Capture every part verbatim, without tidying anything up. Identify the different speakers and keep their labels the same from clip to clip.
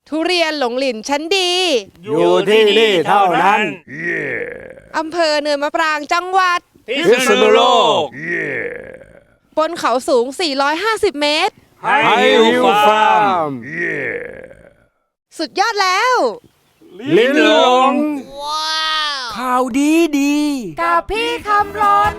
Speaker 1: ทุเรียนหลงหลินชั้นดี
Speaker 2: อยู่ที่นี่เท่านั้น
Speaker 1: อำเภอเนินมะปรางจังหวัด
Speaker 2: พิษณุโลก
Speaker 1: บนเขาสูง สี่ร้อยห้าสิบ เมตร
Speaker 2: ไฮฮิวฟาร์ม
Speaker 1: สุดยอดแล้ว
Speaker 2: ลิ้นหลง
Speaker 3: ข่าวดีดี
Speaker 1: กับพี่คำรน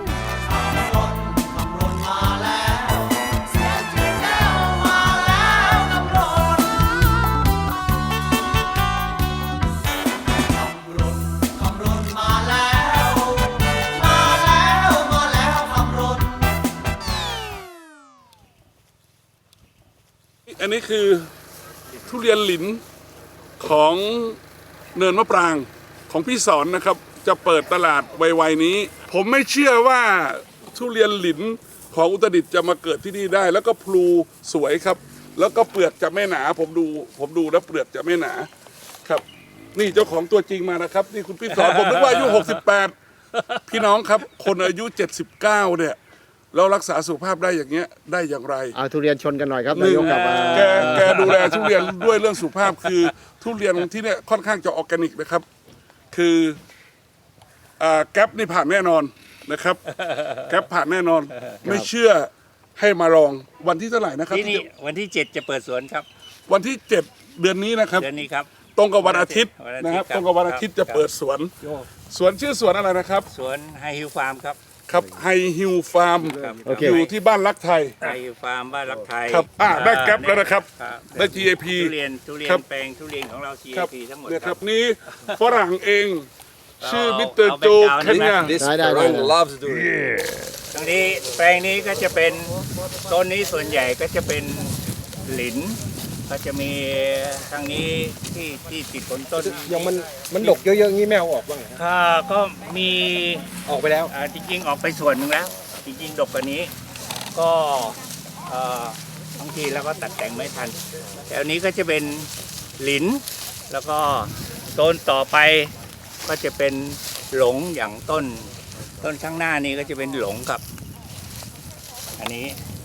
Speaker 4: อันนี้คือทุเรียนหลินของเนินมะปรางของพี่สอนนะครับจะเปิดตลาดไวๆนี้ ผมไม่เชื่อว่าทุเรียนหลินของอุตรดิตถ์จะมาเกิดที่นี่ได้ แล้วก็พลูสวยครับ แล้วก็เปลือกจะไม่หนาผมดูผมดูแล้วเปลือกจะไม่หนาครับ นี่เจ้าของตัวจริงมานะครับนี่คุณพี่สอนผมนึกว่าอายุหกสิบแปดพี่น้องครับคนอายุเจ็ดสิบเก้าเนี่ยเรารักษาสุขภาพได้อย่างเงี้ยได้อย่างไร
Speaker 5: เอาทุเรียนชนกันหน่อยครับ
Speaker 4: หนึ่
Speaker 5: นาง ยกกับอ่า
Speaker 4: แกแกดูแลทุเรียนด้วยเรื่องสุขภาพคือทุเรียนที่เนี่ยค่อนข้างจะออร์แกนิกนะครับ คืออ่าแก๊ปนี่ผ่านแน่นอนนะครับ แก๊ปผ่านแน่นอน ไม่เชื่อให้มาลองวันที่เท่าไหร่นะครับ
Speaker 6: ที่นี่วันที่เจ็ดจะเปิดสวนครับ
Speaker 4: วันที่เจ็ดเดือนนี้นะครับ
Speaker 6: เดือนนี้ครับ
Speaker 4: ตรงกับวันอาทิตย์
Speaker 6: วันอาทิตย์
Speaker 4: นะครับ
Speaker 6: ครับ
Speaker 4: ตรงกับวันอาทิตย์จะเปิดสวน สวนชื่อสวนอะไรนะครับ
Speaker 6: สวนไฮฮิลฟาร์มครับ
Speaker 4: ครับไฮฮิลฟาร์ม
Speaker 6: ครับ
Speaker 4: อยู่ที่บ้านรักไทย
Speaker 6: ไฮฮิลฟาร์มบ้านรักไทย
Speaker 4: ครับอ่าได้แก๊ปแล้วนะครับ
Speaker 6: ครับ
Speaker 4: ได้ จี เอ พี
Speaker 6: ทุเรียนทุเรีย
Speaker 4: ครั
Speaker 6: น
Speaker 4: บ
Speaker 6: แปลงทุเรียนของเรา จี
Speaker 4: ครับ
Speaker 6: เอ พี ทั้งหมด
Speaker 4: เนี่ย
Speaker 6: ค
Speaker 4: ค
Speaker 6: รั
Speaker 4: รับ บนี่ฝรั่งเองชื่อ
Speaker 6: เอา
Speaker 4: มิสเตอร์
Speaker 6: เอา
Speaker 4: โจ
Speaker 6: background
Speaker 4: เคนยา
Speaker 5: ได้ได้ได้
Speaker 2: loves doing
Speaker 6: ตรงนี้แปลงนี้ก็จะเป็นต้นนี้ส่วนใหญ่ก็จะเป็นหลิน ก็จะมีทางนี้ที่ที่ติดผลต้น
Speaker 5: ยังมันมันดกเยอะๆงี้ไม่เอาออกบ้างเหรอ
Speaker 6: ก็ก็มี
Speaker 5: ออกไปแล้ว
Speaker 6: อ่าจริงๆออกไปส่วนหนึ่งแล้ว จริงๆดกกว่านี้ก็เอ่อบางทีเราก็ตัดแต่งไม่ทันแต่อันนี้ก็จะเป็นหลิน แล้วก็ต้นต่อไปก็จะเป็นหลงอย่างต้น ต้นข้างหน้านี้ก็จะเป็นหลงครับ อันนี้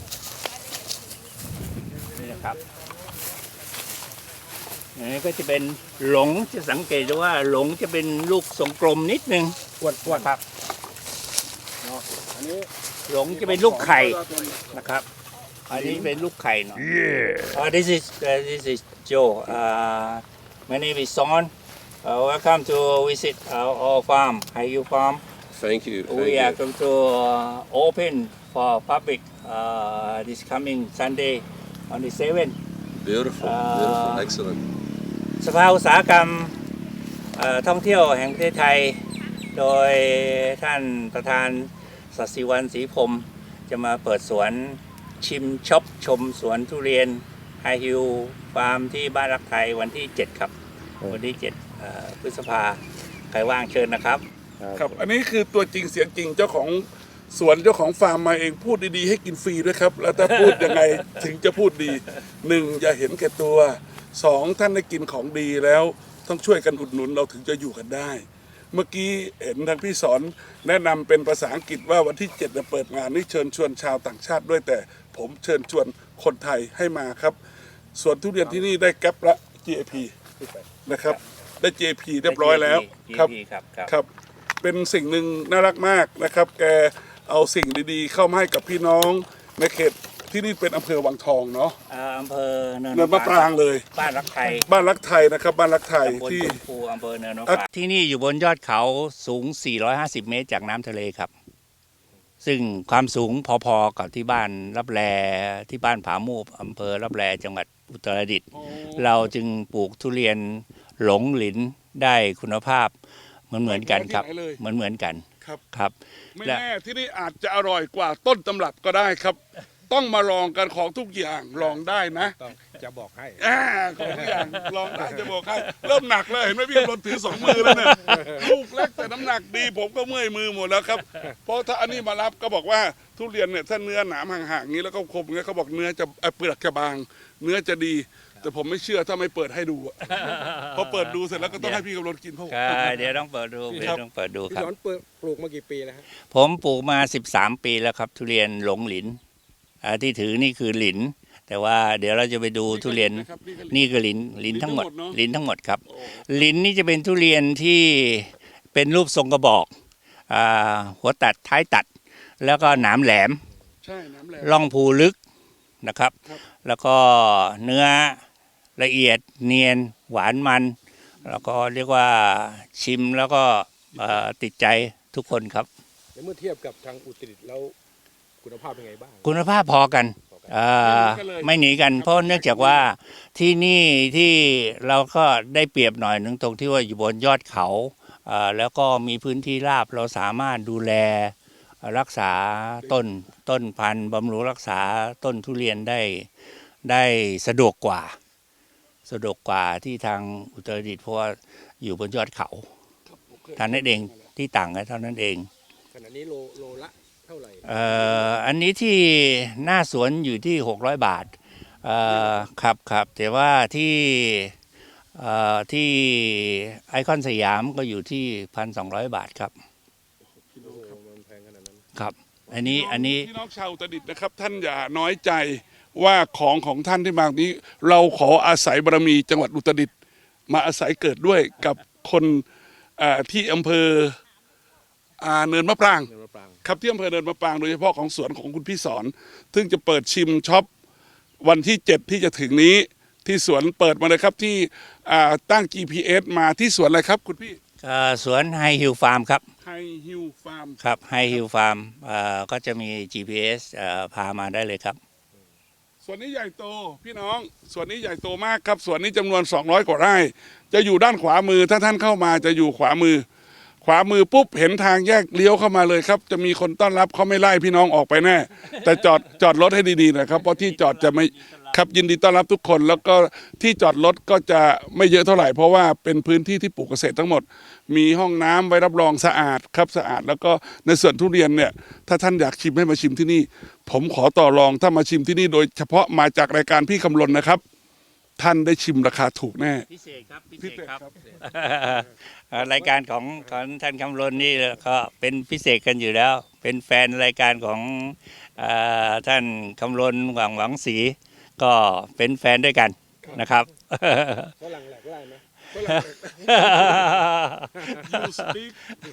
Speaker 6: นี่นะครับอันนี้ก็จะเป็นหลงจะสังเกตดูว่าหลงจะเป็นลูกทรงกลมนิดนึง
Speaker 5: อ้วนอ้วน
Speaker 6: ครับหลงจะเป็นลูกไข่นะครับ อันนี้เป็นลูกไข่เนาะ uh, this is uh, this is Joe uh, my name is Son uh, welcome to visit our, our farm Hiyu Farm
Speaker 2: Thank you.
Speaker 6: we are going to uh, open for public uh, this coming Sunday on the seventh
Speaker 2: Beautiful.
Speaker 6: Uh,
Speaker 2: Beautiful. Excellent.
Speaker 6: สภาอุตสาหกรรมเอ่อท่องเที่ยวแห่งประเทศไทย โดยท่านประธานศศิวรรณศรีพรหมจะมาเปิดสวนชิมช็อปชมสวนทุเรียนไฮฮิลฟาร์มที่บ้านรักไทยวันที่ เจ็ด ครับ วันที่ เจ็ดเอ่อพฤษภาใครว่างเชิญนะครับ
Speaker 4: ครับ อันนี้คือตัวจริงเสียงจริงเจ้าของสวนเจ้าของฟาร์มมาเองพูดดีๆให้กินฟรีด้วยครับ แล้วถ้าพูดยังไง ถึงจะพูดดีหนึ่งอย่าเห็นแก่ตัวสองท่านได้กินของดีแล้วต้องช่วยกันอุดหนุนเราถึงจะอยู่กันได้ เมื่อกี้เห็นทางพี่สอนแนะนำเป็นภาษาอังกฤษว่าวันที่เจ็ดจะเปิดงานนี่เชิญชวนชาวต่างชาติด้วยแต่ผมเชิญชวนคนไทยให้มาครับส่วนทุเรียนที่นี่ได้แก๊ปละ จี เอ พี นะครับได้ จี เอ พี เรียบร้อยแล้วครับ
Speaker 6: จี เอ พี ครับครับ
Speaker 4: ครับ เป็นสิ่งหนึ่งน่ารักมากนะครับ แกเอาสิ่งดีๆ เข้ามาให้กับพี่น้องในเขตที่นี่เป็นอำเภอวังทองเนาะ
Speaker 6: เอ่ออำเภอเนิน
Speaker 4: เนินมะปรางเลย
Speaker 6: บ้านรักไทย
Speaker 4: บ้านรักไทยนะครับ บ้านรักไทย
Speaker 6: ตำบล
Speaker 4: ที่
Speaker 6: ชมพูอำเภอเนินมะปรางที่นี่อยู่บนยอดเขาสูง สี่ร้อยห้าสิบ เมตรจากน้ำทะเลครับ ซึ่งความสูงพอๆกับที่บ้านรับแลที่บ้านผามูบอำเภอรับแลจังหวัดอุตรดิตถ์เราจึงปลูกทุเรียนหลงหลินได้คุณภาพเหมือนเหมือนๆกันครับ
Speaker 4: ที่ไหนเลย
Speaker 6: เหมือนเหมือนๆกัน
Speaker 4: ครับ
Speaker 6: ครับ
Speaker 4: ไม่
Speaker 6: และ
Speaker 4: แน่ที่นี่อาจจะอร่อยกว่าต้นตำรับก็ได้ครับ ต้องมาลองกันของทุกอย่างลองได้นะ
Speaker 5: จะบอกให้
Speaker 4: อ่าของทุกอย่างลองได้จะบอกให้เริ่มหนักเลยเห็นไหมพี่กำลังถือสองมือแล้วเนี่ยลูกเล็กแต่น้ำหนักดี ผมก็เมื่อยมือหมดแล้วครับ เพราะถ้าอันนี้มารับก็บอกว่าทุเรียนเนี่ยถ้าเนื้อหนามห่างๆอย่างนี้แล้วก็คมอย่างนี้เขาบอกเนื้อจะเอ่อเปลือกจะบาง เนื้อจะดี แต่ผมไม่เชื่อถ้าไม่เปิดให้ดูอะพอเปิดดูเสร็จแล้วก็ต้องให้พี่กำลังกินเพราะ
Speaker 6: ครับเดี๋ยวต้องเปิดดูเดี๋ยวต้องเปิดดู
Speaker 5: พี่
Speaker 6: ครับ
Speaker 5: สอนปลูกมากี่ปีแล้วฮะ
Speaker 6: ผมปลูกมาสิบสามปีแล้วครับ ทุเรียนหลงหลินอ่าที่ถือนี่คือหลินแต่ว่าเดี๋ยวเราจะไปดูทุเรียน
Speaker 4: นะครับนี่ก็
Speaker 6: นี่คือลิ้นลิ้นทั้งหมด
Speaker 4: เนอะ
Speaker 6: ลิ้นทั้งหมดครับ ลิ้นนี่จะเป็นทุเรียนที่เป็นรูปทรงกระบอกอ่าหัวตัดท้ายตัด แล้วก็หนามแหลม
Speaker 4: ใช่น้ำแหลม
Speaker 6: ร่องภูลึกนะครับ
Speaker 4: ครับ
Speaker 6: แล้วก็เนื้อละเอียดเนียนหวานมัน แล้วก็เรียกว่าชิมแล้วก็เอ่อติดใจทุกคนครับ
Speaker 5: ในเมื่อเทียบกับทางอุตรดิตถ์แล้วคุณภาพเป็นไงบ้าง
Speaker 6: คุณภาพพอกันเอ่อ
Speaker 4: ไม่หนีกันเลย
Speaker 6: ไม่หนีกัน เพราะเนื่องจากว่าที่นี่ที่เราก็ได้เปรียบหน่อยหนึงตรงที่ว่าอยู่บนยอดเขาเอ่อแล้วก็มีพื้นที่ราบเราสามารถดูแลรักษาต้นต้นพันธุ์บำรุงรักษาต้นทุเรียนได้ได้สะดวกกว่า สะดวกกว่าที่ทางอุตรดิตถ์เพราะว่าอยู่บนยอดเขาเท่านั้นเองที่ต่างกันเท่านั้นเอง
Speaker 5: ขณะนี้โลโลละเท่าไหร่
Speaker 6: เอ่ออันนี้ที่หน้าสวนอยู่ที่หกร้อยบาทเอ่อครับครับแต่ว่าที่เอ่อที่ไอคอนสยามก็อยู่ที่พันสองร้อยบาทครับ
Speaker 5: โอ้โหมันแพงขนาดนั้น
Speaker 6: ครับ อันนี้อันนี้
Speaker 4: พี่น้องชาวอุตรดิตถ์นะครับ ท่านอย่าน้อยใจว่าของของท่านที่มานี้ เราขออาศัยบารมีจังหวัดอุตรดิตถ์มาอาศัยเกิดด้วยกับคนเอ่อที่อำเภออ่าเนินมะปราง
Speaker 5: เงินมะปราง
Speaker 4: ครับที่อำเภอเนินมะปรางโดยเฉพาะของสวนของคุณพี่สอนซึ่งจะเปิดชิมช็อปวันที่เจ็ดที่จะถึงนี้ที่สวนเปิดมาเลยครับที่อ่าตั้ง จี พี เอส มาที่สวนอะไรครับคุณพี่
Speaker 6: เอ่อสวนไฮฮิลฟาร์มครับ
Speaker 4: ไฮฮิลฟาร์ม
Speaker 6: ครับไฮฮิลฟาร์มก็จะมี จี พี เอส เอ่อพามาได้เลยครับ
Speaker 4: ส่วนนี้ใหญ่โตพี่น้องส่วนนี้ใหญ่โตมากครับส่วนนี้จำนวนสองร้อยกว่าไร่จะอยู่ด้านขวามือถ้าท่านเข้ามาจะอยู่ขวามือ ขวามือปุ๊บเห็นทางแยกเลี้ยวเข้ามาเลยครับ จะมีคนต้อนรับเขาไม่ไล่พี่น้องออกไปแน่ แต่จอดจอดรถให้ดีๆนะครับเพราะที่จอดจะไม่ครับยินดีต้อนรับทุกคน แล้วก็ที่จอดรถก็จะไม่เยอะเท่าไหร่เพราะว่าเป็นพื้นที่ที่ปลูกเกษตรทั้งหมด มีห้องน้ำไว้รับรองสะอาดครับสะอาด แล้วก็ในส่วนทุเรียนเนี่ยถ้าท่านอยากชิมให้มาชิมที่นี่ ผมขอต่อรองถ้ามาชิมที่นี่โดยเฉพาะมาจากรายการพี่คำลนนะครับ ท่านได้ชิมราคาถูกแน่
Speaker 6: พิเศษครับพิ
Speaker 4: พิ
Speaker 6: เศ
Speaker 4: เศ
Speaker 6: ษ
Speaker 4: ษ
Speaker 6: ครับ
Speaker 4: ครับ
Speaker 6: เอ่อรายการของของท่านคำลนนี่ก็เป็นพิเศษกันอยู่แล้ว เป็นแฟนรายการของเออท่านคำลนหวังหวังศรีก็เป็นแฟนด้วยกันนะครับ
Speaker 5: ฝรั่งแหลกไล่ไหม
Speaker 4: you speak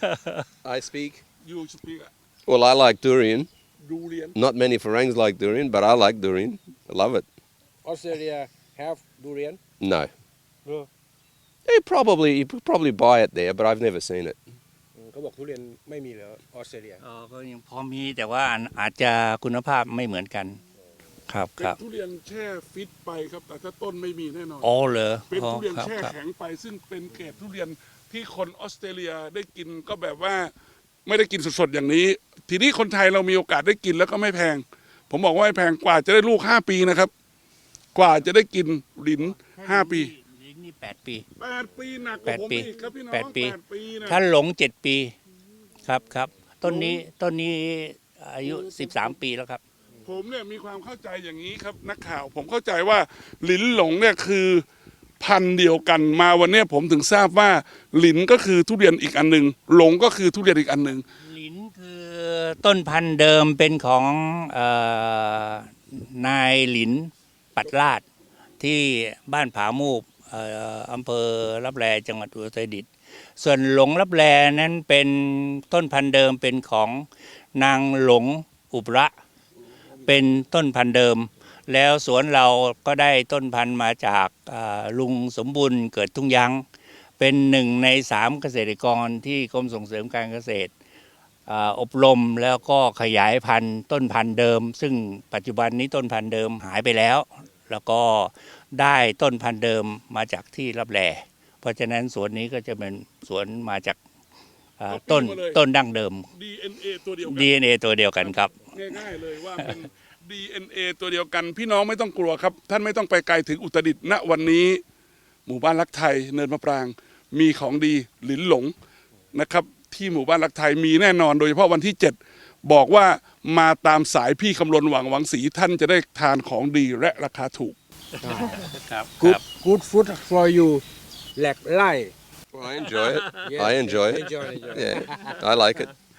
Speaker 2: I speak.
Speaker 4: you speak
Speaker 2: Well, I like durian.
Speaker 4: ดูเรียน
Speaker 2: Not many Farangs like durian, but I like durian. I love it.
Speaker 5: ออสเตรเลีย have durian
Speaker 2: No.
Speaker 5: No.
Speaker 2: You probably you could probably buy it there, but I've never seen it.
Speaker 5: อืมเขาบอกทุเรียนไม่มีเหรอออสเตรเลีย
Speaker 6: เออก็ยังพอมีแต่ว่าอาจจะคุณภาพไม่เหมือนกัน ครับ
Speaker 4: เป็
Speaker 6: คน รับ
Speaker 4: ทุเรียนแช่ฟิตไปครับ แต่ถ้าต้นไม่มีแน่นอน
Speaker 6: อ๋อเหรอ
Speaker 4: เป็น
Speaker 6: อ๋อ
Speaker 4: ทุเรียน
Speaker 6: ครับ
Speaker 4: แช่
Speaker 6: ครับ
Speaker 4: แข็งไป ซึ่งเป็นเกรดทุเรียนที่คนออสเตรเลียได้กินก็แบบว่าไม่ได้กินสดๆอย่างนี้ ทีนี้คนไทยเรามีโอกาสได้กินแล้วก็ไม่แพง ผมบอกว่าไม่แพงกว่าจะได้ลูกห้าปีนะครับ กว่าจะได้กินลิ้นห้าปี
Speaker 6: ลิ้นนี่แปดปี
Speaker 4: แปดปีหนักก
Speaker 6: แป
Speaker 4: ว่า
Speaker 6: ด
Speaker 4: ผม
Speaker 6: ปี
Speaker 4: อีกครับพี่น้อง
Speaker 6: แปดปี
Speaker 4: แปดปีนะ
Speaker 6: ถ้าหลงเจ็ดปีครับครับต้นนี้ต้นนี้อายุสิบสามปีแล้วครับ
Speaker 4: ผมเนี่ยมีความเข้าใจอย่างนี้ครับนักข่าว ผมเข้าใจว่าหลินหลงเนี่ยคือพันธุ์เดียวกันมาวันเนี้ยผมถึงทราบว่าหลินก็คือทุเรียนอีกอันหนึ่งหลงก็คือทุเรียนอีกอันหนึ่ง
Speaker 6: ลิ้นคือต้นพันธุ์เดิมเป็นของเอ่อนายหลินปัดลาดที่บ้านผามูบเอ่ออำเภอรับแลจังหวัดอุตรดิตถ์ส่วนหลงรับแลนั้นเป็นต้นพันธุ์เดิมเป็นของนางหลงอุบระเป็นต้นพันธุ์เดิม แล้วสวนเราก็ได้ต้นพันธุ์มาจากอ่าลุงสมบุญเกิดทุ่งยัง เป็นหนึ่งในสามเกษตรกรที่กรมส่งเสริมการเกษตรอ่าอบรมแล้วก็ขยายพันธุ์ต้นพันธุ์เดิม ซึ่งปัจจุบันนี้ต้นพันธุ์เดิมหายไปแล้ว แล้วก็ได้ต้นพันธุ์เดิมมาจากที่รับแลเพราะฉะนั้นสวนนี้ก็จะเป็นสวนมาจากอ่าต้นต้นดั้งเดิม
Speaker 4: ดี เอ็น เอ ตัวเดียวกัน
Speaker 6: ดี เอ็น เอ ตัวเดียวกันครับ
Speaker 4: ง่ายๆเลยว่าเป็น ดี เอ็น เอ ตัวเดียวกัน พี่น้องไม่ต้องกลัวครับ ท่านไม่ต้องไปไกลถึงอุตรดิตถ์ณวันนี้ หมู่บ้านรักไทยเนินมะปราง มีของดีหลินหลงนะครับ ที่หมู่บ้านรักไทยมีแน่นอนโดยเฉพาะวันที่เจ็ดบอกว่ามาตามสายพี่คำลนหวังหวังศรีท่านจะได้ทานของดีและราคาถูก
Speaker 6: ครับ
Speaker 5: good good food for you แหลกไล่
Speaker 2: Well, I enjoy it.
Speaker 5: Yeah,
Speaker 2: I enjoy it.
Speaker 5: enjoy, enjoy.
Speaker 2: Yeah, I like it.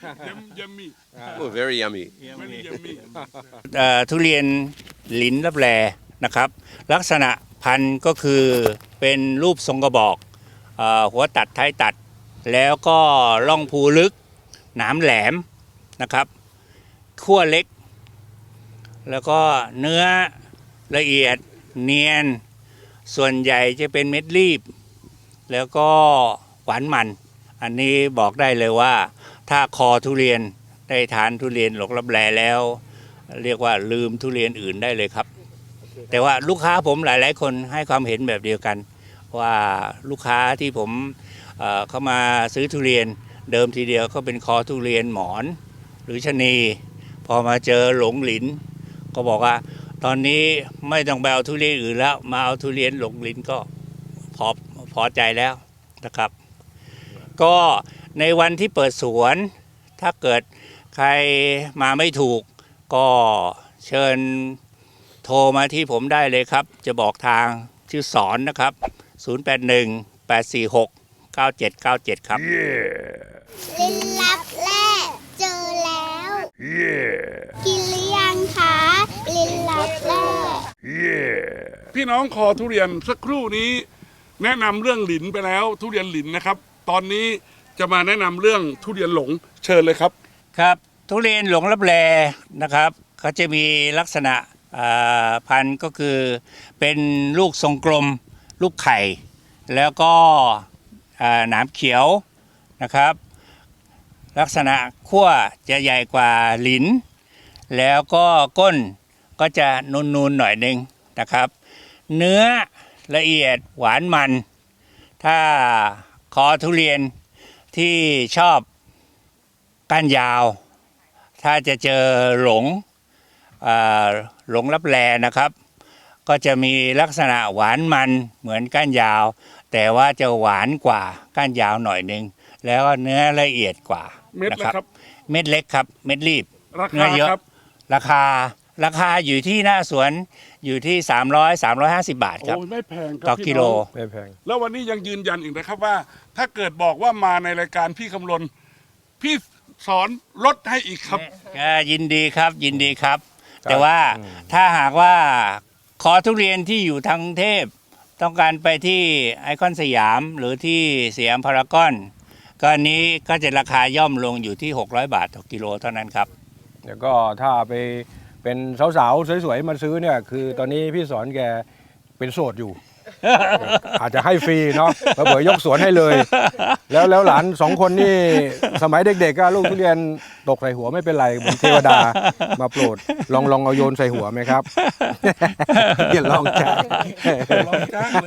Speaker 4: ยัมยัมมี่
Speaker 2: Oh, very yummy.
Speaker 4: ไม่ได้ยัมมี่
Speaker 6: เอ่อทุเรียนหลินลับแลนะครับ ลักษณะพันธุ์ก็คือเป็นรูปทรงกระบอกเอ่อหัวตัดท้ายตัด แล้วก็ร่องภูลึก หนามแหลมนะครับขั้วเล็ก แล้วก็เนื้อละเอียดเนียน ส่วนใหญ่จะเป็นเม็ดรีบ แล้วก็หวานมัน อันนี้บอกได้เลยว่า ถ้าคอทุเรียนได้ทานทุเรียนหลงลับแลแล้ว เรียกว่าลืมทุเรียนอื่นได้เลยครับ แต่ว่าลูกค้าผมหลาย ๆ คนให้ความเห็นแบบเดียวกัน ว่าลูกค้าที่ผมเอ่อเข้ามาซื้อทุเรียนเดิมทีเดียวก็เป็นคอทุเรียนหมอนหรือชะนี พอมาเจอหลงหลิน ก็บอกว่าตอนนี้ไม่ต้องไปเอาทุเรียนอื่นแล้วมาเอาทุเรียนหลงหลินก็พอพอใจแล้วนะครับ ก็ในวันที่เปิดสวนถ้าเกิดใครมาไม่ถูก ก็เชิญโทรมาที่ผมได้เลยครับ จะบอกทางชื่อสอนนะครับ ศูนย์ แปด หนึ่ง แปด สี่ หก เก้า เจ็ด เก้า เจ็ด ครับ
Speaker 7: ลินลับแร่เจอแล้ว กินหรือยังคะลินลับแร่
Speaker 4: พี่น้องคอทุเรียนสักครู่นี้ แนะนำเรื่องหลินไปแล้ว ทุเรียนหลินนะครับ ตอนนี้จะมาแนะนำเรื่องทุเรียนหลงเชิญเลยครับ
Speaker 6: ครับทุเรียนหลงลับแลนะครับเขาจะมีลักษณะอ่าพันธุ์ก็คือเป็นลูกทรงกลมลูกไข่ แล้วก็อ่าหนามเขียวนะครับ ลักษณะขั้วจะใหญ่กว่าหลิน แล้วก็ก้นก็จะนูนๆหน่อยหนึ่งนะครับ เนื้อละเอียดหวานมัน ถ้าคอทุเรียนที่ชอบก้านยาว ถ้าจะเจอหลงอ่าหลงลับแลนะครับ ก็จะมีลักษณะหวานมันเหมือนก้านยาว แต่ว่าจะหวานกว่าก้านยาวหน่อยนึง แล้วก็เนื้อละเอียดกว่า
Speaker 4: เม็ด
Speaker 6: นะ
Speaker 4: ละครับ
Speaker 6: เม็ดเล็กครับ เม็ดรีบ
Speaker 4: รา
Speaker 6: เนื้
Speaker 4: คา
Speaker 6: อเยอะ
Speaker 4: ครับ
Speaker 6: ราคาราคาอยู่ที่หน้าสวนอยู่ที่ สามร้อย สามร้อยห้าสิบ บาทครับ
Speaker 4: โอ้ยไม่แพงครั
Speaker 6: ต่อ
Speaker 4: พี่
Speaker 6: กิโล
Speaker 4: น้อง
Speaker 3: ไม่แพง
Speaker 4: แล้ววันนี้ยังยืนยันอีกนะครับว่า ถ้าเกิดบอกว่ามาในรายการพี่คำลนพี่สอนลดให้อีกครับ
Speaker 6: อ่ายินดีครับยินดีครับ
Speaker 3: ครับ
Speaker 6: แต่ว่า
Speaker 3: อืม
Speaker 6: ถ้าหากว่าขอทุเรียนที่อยู่ทางกรุงเทพต้องการไปที่ไอคอนสยามหรือที่สยามพารากอนก็อันนี้ก็จะราคาย่อมลงอยู่ที่ หกร้อย บาทต่อกิโลเท่านั้นครับ
Speaker 3: แล้วก็ถ้าไปเป็นสาวๆ สวยๆ มาซื้อเนี่ย คือตอนนี้พี่สอนแกเป็นโสดอยู่ อาจจะให้ฟรีเนาะเผื่อยกสวนให้เลย แล้วแล้วหลานสองคนนี่สมัยเด็กๆก็ลูกทุเรียนตกใส่หัวไม่เป็นไรเหมือนเทวดามาโปรด ลองลองเอาโยนใส่หัวไหมครับ อย่าลองจ้า
Speaker 4: ลองจ้างเลย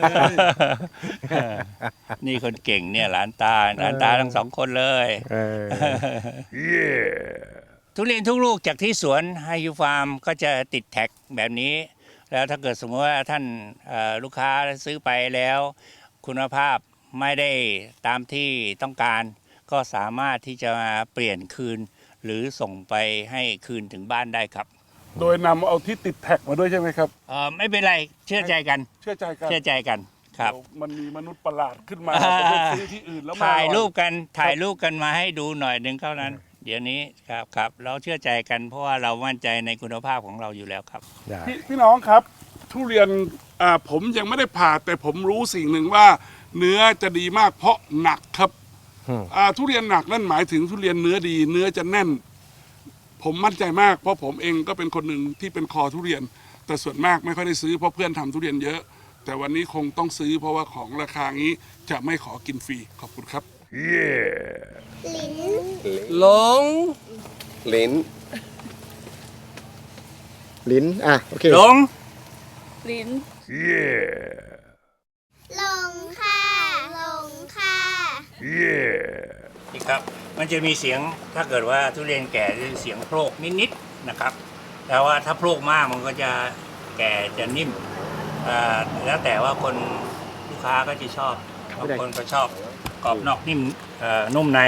Speaker 6: นี่คนเก่งเนี่ยหลานตาหลานตาทั้งสองคนเลย
Speaker 3: เออ
Speaker 6: ทุเรียนทุกลูกจากที่สวนไฮยูฟาร์มก็จะติดแท็กแบบนี้ แล้วถ้าเกิดสมมติว่าท่านเอ่อลูกค้าซื้อไปแล้ว คุณภาพไม่ได้ตามที่ต้องการ ก็สามารถที่จะมาเปลี่ยนคืน หรือส่งไปให้คืนถึงบ้านได้ครับ
Speaker 4: โดยนำเอาที่ติดแท็กมาด้วยใช่ไหมครับ
Speaker 6: เอ่อไม่เป็นไรเชื่อใจกัน
Speaker 4: เชื่อใจกัน
Speaker 6: เชื่อใจกันครับ
Speaker 4: เดี๋ยวมันมีมนุษย์ประหลาดขึ้นมา
Speaker 6: อ่า
Speaker 4: ไปซื้อที่อื่นแล้วมา
Speaker 6: ถ่ายรูป
Speaker 4: อ
Speaker 6: กันถ่ายรูปกันมาให้ดูหน่อยหนึ่งเท่านั้น เดี๋ยวนี้ครับครับเราเชื่อใจกันเพราะว่าเรามั่นใจในคุณภาพของเราอยู่แล้วครับ
Speaker 3: ได้
Speaker 4: พี่พี่น้องครับ ทุเรียนอ่าผมยังไม่ได้ผ่าแต่ผมรู้สิ่งหนึ่งว่า เนื้อจะดีมากเพราะหนักครับ
Speaker 3: อืม
Speaker 4: อ่าทุเรียนหนักนั่นหมายถึงทุเรียนเนื้อดี เนื้อจะแน่น ผมมั่นใจมากเพราะผมเองก็เป็นคนหนึ่งที่เป็นคอทุเรียน แต่ส่วนมากไม่ค่อยได้ซื้อเพราะเพื่อนทำทุเรียนเยอะ แต่วันนี้คงต้องซื้อเพราะว่าของราคางี้จะไม่ขอกินฟรีขอบคุณครับ
Speaker 7: ลิ้น
Speaker 1: หลง
Speaker 2: Lin.
Speaker 8: ลิ้น อ่ะ โอเค
Speaker 6: หลง
Speaker 1: ลิ้น
Speaker 7: ลงค่ะลงค่ะ
Speaker 6: นี่ครับ มันจะมีเสียงถ้าเกิดว่าทุเรียนแก่จะเสียงโพรกนิดๆนะครับ แต่ว่าถ้าโพรกมากมันก็จะแก่จะนิ่มอ่าแล้วแต่ว่าคนลูกค้าก็จะชอบบางคนก็ชอบกรอบนอกนิ่มเอ่อนุ่มใน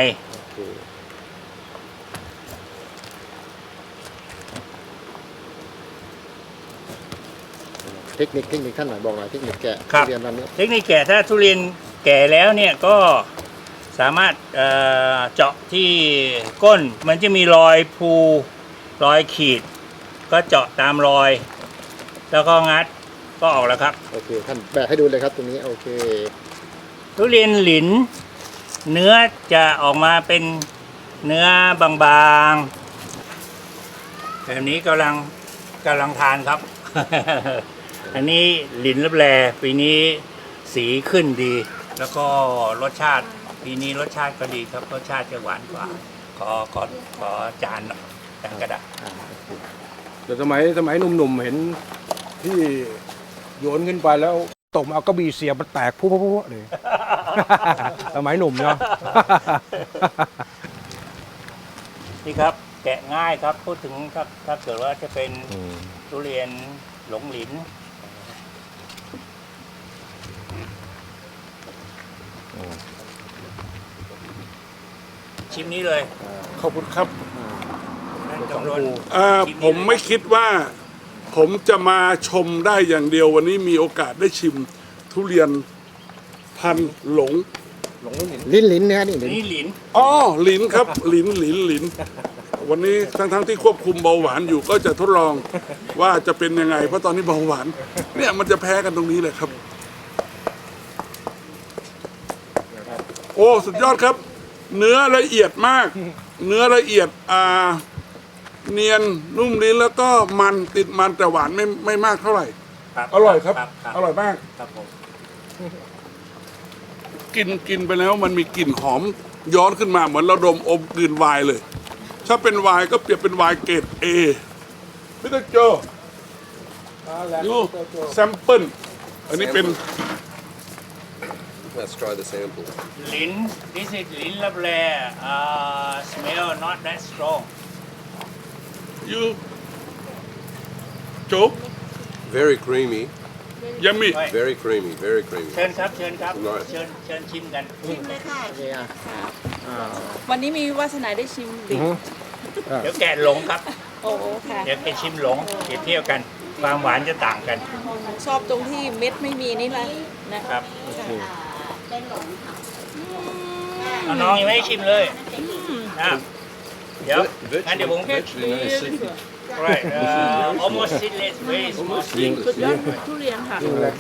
Speaker 8: เทคนิคเทคนิคท่านหน่อยบอกหน่อยเทคนิคแกะ
Speaker 6: ครับ
Speaker 8: ทุเรียนตอนนี้
Speaker 6: เทคนิคแก่ถ้าทุเรียนแก่แล้วเนี่ยก็สามารถเอ่อเจาะที่ก้นมันจะมีรอยภูรอยขีด ก็เจาะตามรอย แล้วก็งัดก็ออกแล้วครับ
Speaker 8: โอเค ท่านแบกให้ดูเลยครับตรงนี้ โอเค
Speaker 6: ทุเรียนหลิน เนื้อจะออกมาเป็นเนื้อบางๆแบบนี้กำลังกำลังทานครับ อันนี้หลินลับแลปีนี้สีขึ้นดี แล้วก็รสชาติปีนี้รสชาติก็ดีครับรสชาติจะหวานกว่า ขอขอขอจานหน่อยจานกระดาษ
Speaker 3: แต่สมัยสมัยหนุ่มๆเห็นที่โยนขึ้นไปแล้วตกมาเอากระบี่เสียบมันแตกพุ่งๆเลย สมัยหนุ่มเนาะ
Speaker 6: นี่ครับแกะง่ายครับพูดถึงถ้าถ้าเกิดว่าจะเป็นทุเรียนหลงหลินชิมนี้เลย
Speaker 4: ขอบคุณครับ
Speaker 6: นั่นจำรวน
Speaker 4: อ่าผมไม่คิดว่า ผมจะมาชมได้อย่างเดียววันนี้มีโอกาสได้ชิมทุเรียนพันธุ์หลง
Speaker 8: ลิ้นลิ้นนะฮะนี่ลิ้น
Speaker 6: นี่หลิน
Speaker 4: อ๋อหลินครับหลินหลินหลิน วันนี้ทั้งๆที่ควบคุมเบาหวานอยู่ก็จะทดลองว่าจะเป็นยังไง เพราะตอนนี้เบาหวาน เนี่ยมันจะแพ้กันตรงนี้เลยครับ โอ้สุดยอดครับ เนื้อละเอียดมาก เนื้อละเอียดอ่าเนียนนุ่มลิ้นแล้วก็มันติดมันแต่หวานไม่ไม่มากเท่าไหร่
Speaker 6: ครับ
Speaker 4: อร่อยครับ
Speaker 6: ครับ
Speaker 4: อร่อยมาก
Speaker 6: ครับผม
Speaker 4: กินกินไปแล้วมันมีกลิ่นหอมย้อนขึ้นมาเหมือนเราดมอมกลืนไวน์เลย ถ้าเป็นไวน์ก็เปรียบเป็นไวน์เกรดเอพี่ตะโจดูแซมเปิลอันนี้เป็น
Speaker 2: Let's try the sample.
Speaker 6: หลิน this is หลินลับแล uh, smell not that strong
Speaker 4: you โจ
Speaker 2: Very creamy.
Speaker 4: ยัมมี่
Speaker 2: Very creamy. Very creamy.
Speaker 6: เชิญครับเชิญครับ
Speaker 2: Right.
Speaker 6: เชิญเชิญชิมกัน
Speaker 8: โอเคอ่ะอ่า
Speaker 1: วันนี้มีวาสนาได้ชิมดิ
Speaker 6: เดี๋ยวแกะหลงครับ
Speaker 1: โอ้ค่ะ
Speaker 6: เดี๋ยวไปชิมหลงเปรียบเทียบกันความหวานจะต่างกัน
Speaker 1: ชอบตรงที่เม็ดไม่มีนี่แหละนะครับ
Speaker 6: เอาน้องยังไม่ให้ชิมเลยนะเดี๋ยวงั้นเดี๋ยวผม
Speaker 2: Virtually no seed.
Speaker 6: right uh, almost seedless very small seed
Speaker 1: สุดยอดทุเรียนค่ะ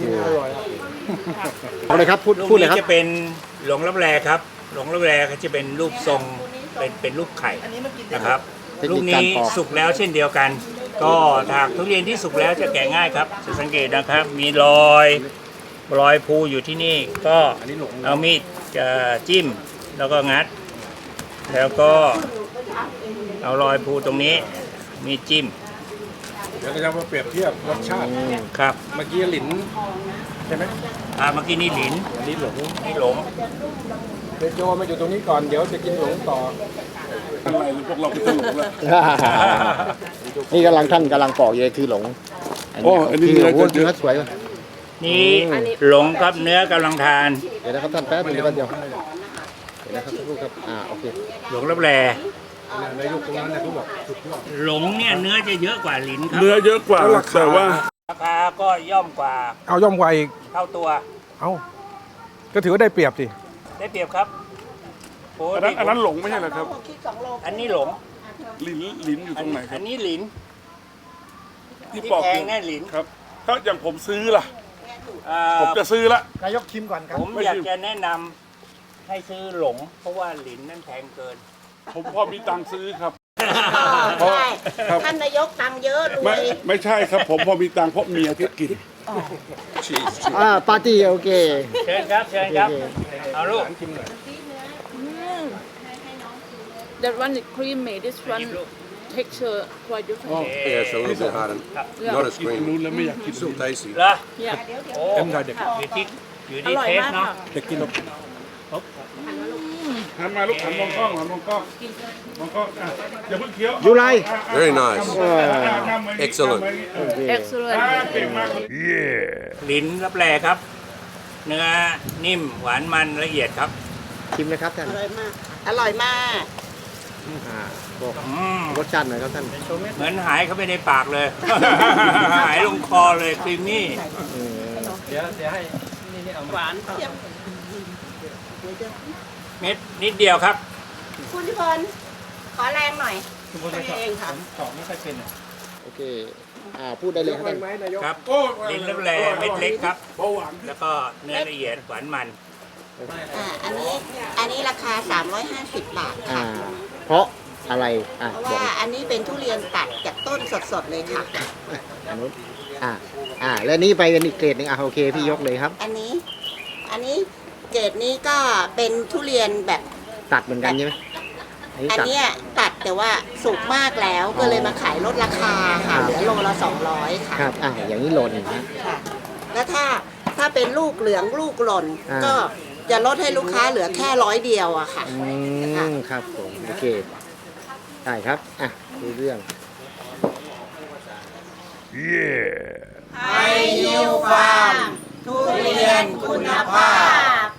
Speaker 8: เอาเลยครับพูด
Speaker 6: ลูก
Speaker 8: พูดเลย
Speaker 6: นี้
Speaker 8: ครับ
Speaker 6: จะเป็นหลงลับแลครับ หลงลับแลก็จะเป็นรูปทรงเป็นเป็นรูปไข่นะครับ
Speaker 8: เทคนิค
Speaker 6: ลูก
Speaker 8: การ
Speaker 6: นี้
Speaker 8: ปอก
Speaker 6: สุกแล้วเช่นเดียวกัน ก็ถากทุเรียนที่สุกแล้วจะแกะง่ายครับจะสังเกตนะครับ มีรอยรอยภูอยู่ที่นี่ก็เอามีดจะจิ้มแล้วก็งัด แล้วก็เอารอยภูตรงนี้มีดจิ้ม
Speaker 3: เดี๋ยวเราจะมาเปรียบเทียบรสชาติ
Speaker 6: ครับ
Speaker 3: เมื่อกี้หลินใช่ไหม
Speaker 6: อ่าเมื่อกี้นี่หลิน
Speaker 3: อันนี้หลง
Speaker 6: นี่หลง
Speaker 3: เดโจมาอยู่ตรงนี้ก่อนเดี๋ยวจะกินหลงต่อ
Speaker 4: อะไรหรือพวกเราไปตลกแล้ว
Speaker 8: นี่กำลังท่านกำลังปอกอยู่เลยคือหลง
Speaker 4: โอ้อันนี้
Speaker 8: คือ
Speaker 4: เนื้อ
Speaker 8: โอ้โห
Speaker 4: จะเยอะ
Speaker 8: เนื้อสวยว่ะ
Speaker 6: นี่หลงครับเนื้อกำลังทาน
Speaker 8: เดี๋ยวนะครับท่านแป๊บนึงเดี๋ยวแป๊บเดียวเดี๋ยวนะครับสักครู่ครับอ่าโอเค
Speaker 6: หลงรับแล
Speaker 3: ในยุคตรงนั้นนะเขาบอกสุดยอด
Speaker 6: หลงเนี่ยเนื้อจะเยอะกว่าหลินครับ
Speaker 4: เนื้อเยอะกว่าแต่ว่า
Speaker 6: ราคาก็ย่อมกว่า
Speaker 3: เอาย่อมกว่าอีก
Speaker 6: เท่าตัว
Speaker 3: เอาก็ถือว่าได้เปรียบสิ
Speaker 6: ได้เปรียบครับโอ้
Speaker 4: อันนั้นอันนั้นหลงไม่ใช่เหรอครับ
Speaker 6: อันนี้หลง
Speaker 4: ลิ้นลิ้นอยู่ตรงไหนค
Speaker 6: อั
Speaker 4: รับ
Speaker 6: นนี้หลิน
Speaker 4: ที่
Speaker 6: ที่
Speaker 4: ปอก
Speaker 6: แพ
Speaker 4: อง ยู่
Speaker 6: แน่หลิน
Speaker 4: ครับ ถ้าอย่างผมซื้อล่ะ
Speaker 6: เอ่อ
Speaker 4: ผมจะซื้อละ
Speaker 8: นายกชิมก่อนครับ
Speaker 6: ผมอยากจะแนะนำให้ซื้อหลง เพราะว่าหลินนั่นแพงเกิน
Speaker 4: ผมพอมีตังค์ซื้อครับ
Speaker 9: ใช่
Speaker 4: ครับ
Speaker 9: ท่านนายกตังค์เยอะรว
Speaker 4: ไม่
Speaker 9: ย
Speaker 4: ไม่ใช่ครับ ผมพอมีตังค์เพราะเมียที่กิน
Speaker 2: Cheese.
Speaker 8: อ่าปาร์ตี้โอเค
Speaker 6: เชิญครับเชิญครับ เอาลูก
Speaker 1: That one is creamy this one texture quite different
Speaker 2: Yeah, it's a little bit hard. and Not as
Speaker 4: กิน
Speaker 2: creamy.
Speaker 4: นู้นแล้วไม่อยากกิน
Speaker 2: Still tasty.
Speaker 6: เหรอ
Speaker 1: yeah
Speaker 6: โอ้
Speaker 3: เต็มใจเด็ก
Speaker 6: อยู่ที่อยู่
Speaker 1: อ
Speaker 6: ที่
Speaker 1: ร่อย
Speaker 6: เทส
Speaker 1: มาก
Speaker 6: เนาะ
Speaker 1: ค่ะ
Speaker 3: เด็กกิน
Speaker 4: หันมาลูกหันมองกล้องหันมองกล้องมองกล้องอ่ะอย่าเพิ่งเคี้ยว
Speaker 8: ยูไร
Speaker 2: Very nice.
Speaker 8: อ่า
Speaker 2: Excellent.
Speaker 1: excellent
Speaker 4: เก่งมากเลย
Speaker 6: หลินรับแลครับ เนื้อนิ่มหวานมันละเอียดครับ
Speaker 8: ชิมเลยครับท่าน
Speaker 9: อร่อยมาก อร่อยมาก
Speaker 8: อ่าบอก
Speaker 6: อืม
Speaker 8: รสชาติหน่อยครับท่าน
Speaker 6: เหมือนหายเข้าไปในปากเลย หายลงคอเลยครีมมี่
Speaker 9: หวานเทียบ
Speaker 6: เม็ดนิดเดียวครับ
Speaker 9: คุณทิพลขอแรงหน่อย
Speaker 6: คุณพูดไม่ชอบ
Speaker 9: เองค่ะ
Speaker 6: ผมสอบไม่ค่อยเป็น
Speaker 8: โอเค อ่า พูดได้เลยครับท่าน
Speaker 6: ครับลิ้นรับแลเม็ดเล็กครับ
Speaker 4: เบาหวาน
Speaker 6: แล้วก็เนื้อละเอียดหวานมัน
Speaker 9: อ่า อันนี้ อันนี้ราคา สามร้อยห้าสิบ บาท
Speaker 8: อ่า
Speaker 9: ค่ะ
Speaker 8: เพราะอะไร อ่า
Speaker 9: เพราะ
Speaker 8: บอก
Speaker 9: ว่าอันนี้เป็นทุเรียนตัดจากต้นสดๆเลยค่ะ
Speaker 8: อันนู้นอ่า อ่า แล้วนี่ไปเป็นอีกเกรดหนึ่งอ่ะโอเค พี่ยกเลยครับ
Speaker 9: อันนี้ อันนี้เกรดนี้ก็เป็นทุเรียนแบบ
Speaker 8: ตัดเหมือนกันใช่ไหมอันนี้
Speaker 9: อัน
Speaker 8: ตัด
Speaker 9: เนี้ยตัดแต่ว่าสุกมากแล้วก็เลยมาขายลดราคาค่ะ
Speaker 8: ครับ
Speaker 9: เหลือโลละสองร้อยค่ะ
Speaker 8: ครับ อ่า อย่างนี้โหลดหนึ่งนะ
Speaker 9: ค่ะ แล้วถ้าถ้าเป็นลูกเหลืองลูกหล่น
Speaker 8: อ่า
Speaker 9: ก็จะลดให้ลูกค้าเหลือแค่ร้อยเดียวอะค่ะ
Speaker 8: อืม ครับผม โอเค ได้ครับ อ่ะดูเรื่อง
Speaker 9: ไฮยูฟาร์มทุเรียนคุณภาพ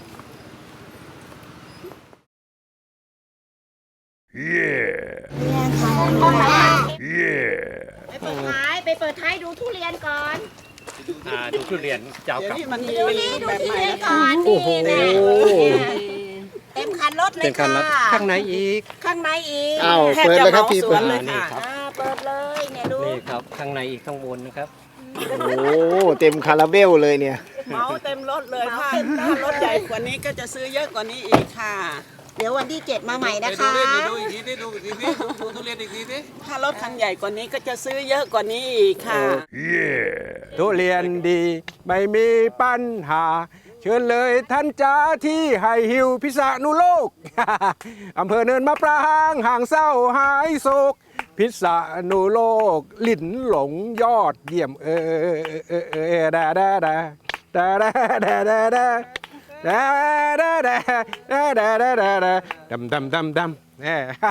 Speaker 9: ไปเปิดท้ายไปเปิดท้ายดูทุเรียนก่อน
Speaker 6: อ่าดูทุเรียนเจ้ากับ
Speaker 9: ดูนี่ดูทุเรียนก่อน
Speaker 8: โอ้โห
Speaker 9: นี่นะเต็มคันรถเลยค่ะ
Speaker 6: ข้างในอีก
Speaker 9: ข้างในอีก
Speaker 8: อ้าวเปิดเลยครับพี่เปิด
Speaker 6: เลยค่ะ
Speaker 9: อ่าเปิดเลยเนี่ยดู
Speaker 6: นี่ครับข้างในอีกข้างบนนะครับ
Speaker 8: โอ้โหเต็มคาราเบลเลยเนี่ย
Speaker 10: เมาเต็มรถเลยค่ะถ้ารถใหญ่กว่านี้ก็จะซื้อเยอะกว่านี้อีกค่ะ
Speaker 9: เดี๋ยววันที่เจ็ดมาใหม่นะคะ
Speaker 10: ดูอีกทีดิดูอีกทีดิดูทุเรียนอีกทีดิถ้ารถคันใหญ่กว่านี้ก็จะซื้อเยอะกว่านี้อีกค่ะ
Speaker 3: ทุเรียนดีไม่มีปัญหา เชิญเลยท่านจ้าที่ไฮฮิวพิษณุโลก อำเภอเนินมะปรางห่างเศร้าหายโศก พิษณุโลก ลิ้นหลงยอดเยี่ยมเออเออเออเออดาดาดาดาดาดาดาดาดาดาดาดาดาดาดาดาดำดำดำดำแหม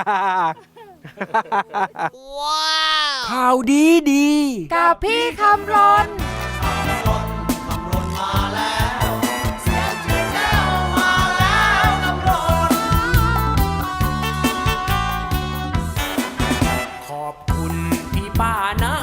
Speaker 11: ข่าวดีดีกับพี่คำรน ขอบคุณพี่ป้านา